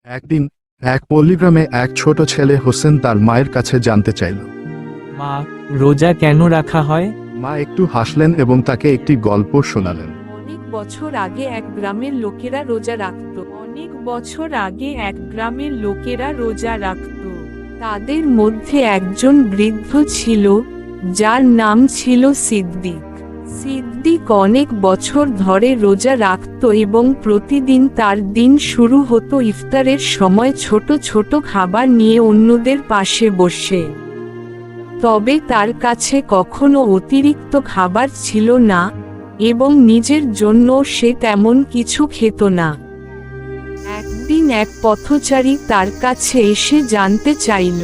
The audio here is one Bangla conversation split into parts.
একদিন এক পল্লীগ্রামে এক ছোট ছেলে হোসেন তার মায়ের কাছে জানতে চাইল। মা, রোজা কেন রাখা হয়? মা একটু হাসলেন এবং তাকে একটি গল্প শোনালেন। অনেক বছর আগে এক গ্রামের লোকেরা রোজা রাখত। তাদের মধ্যে একজন বৃদ্ধ ছিল, যার নাম ছিল সিদ্দিক। সিদ্দিক অনেক বছর ধরে রোজা রাখত এবং প্রতিদিন তার দিন শুরু হতো ইফতারের সময় ছোট ছোট খাবার নিয়ে অন্যদের পাশে বসে। তবে তার কাছে কখনো অতিরিক্ত খাবার ছিল না এবং নিজের জন্য সে তেমন কিছু খেত না। একদিন এক পথচারী তার কাছে এসে জানতে চাইল,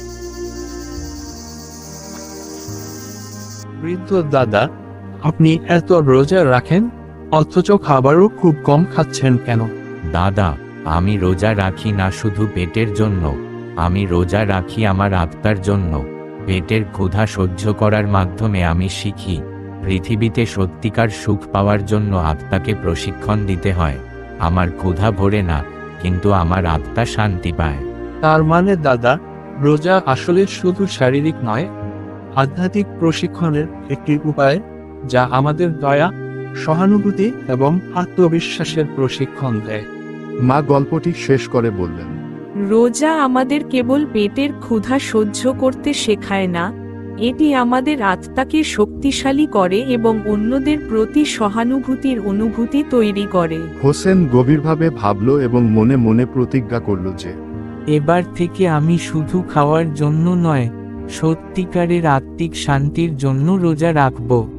বৃদ্ধ দাদা, আপনি এত রোজা রাখেন অথচ খাবারও খুব কম খাচ্ছেন কেন? দাদা, আমি রোজা রাখি না শুধু পেটের জন্য, আমি রোজা রাখি আমার আত্মার জন্য। পেটের ক্ষুধা সহ্য করার মাধ্যমে আমি শিখি, পৃথিবীতে সত্যিকার সুখ পাওয়ার জন্য আত্মাকে প্রশিক্ষণ দিতে হয়। আমার ক্ষুধা ভরে না, কিন্তু আমার আত্মা শান্তি পায়। তার মানে দাদা, রোজা আসলে শুধু শারীরিক নয়, আধ্যাত্মিক প্রশিক্ষণের একটি উপায়, যা আমাদের দয়া, সহানুভূতি এবং আত্মবিশ্বাসের প্রশিক্ষণ দেয়। মা গল্পটি শেষ করে বললেন, রোজা আমাদের কেবল পেটের ক্ষুধা সহ্য করতে শেখায় না, এটি আমাদের আত্মাকে শক্তিশালী করে এবং অন্যদের প্রতি সহানুভূতির অনুভূতি তৈরি করে। হোসেন গভীরভাবে ভাবল এবং মনে মনে প্রতিজ্ঞা করল যে এবার থেকে আমি শুধু খাওয়ার জন্য নয়, সত্যিকারের আত্মিক শান্তির জন্য রোজা রাখব।